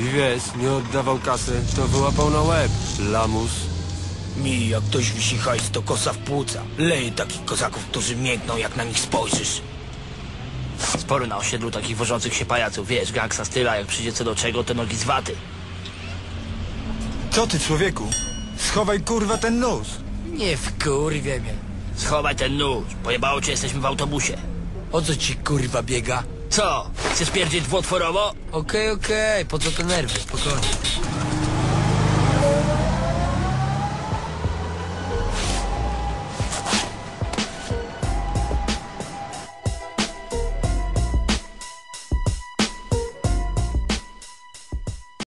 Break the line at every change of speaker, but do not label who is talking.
I wiesz, nie oddawał kasy, to wyłapał na łeb. Lamus.
Mi, jak ktoś wisi hajs, to kosa w płuca. Leje takich kozaków, którzy miękną, jak na nich spojrzysz.
Sporo na osiedlu takich wożących się pajaców, wiesz, gangsta styla, jak przyjdzie co do czego, to nogi z waty.
Co ty, człowieku? Schowaj kurwa ten nóż.
Nie wkurwie mnie.
Schowaj ten nóż, pojebało cię, jesteśmy w autobusie.
O co ci kurwa biega?
Co? Chcesz pierdzieć dwutworowo?
Okej, po co te nerwy? Spokojnie.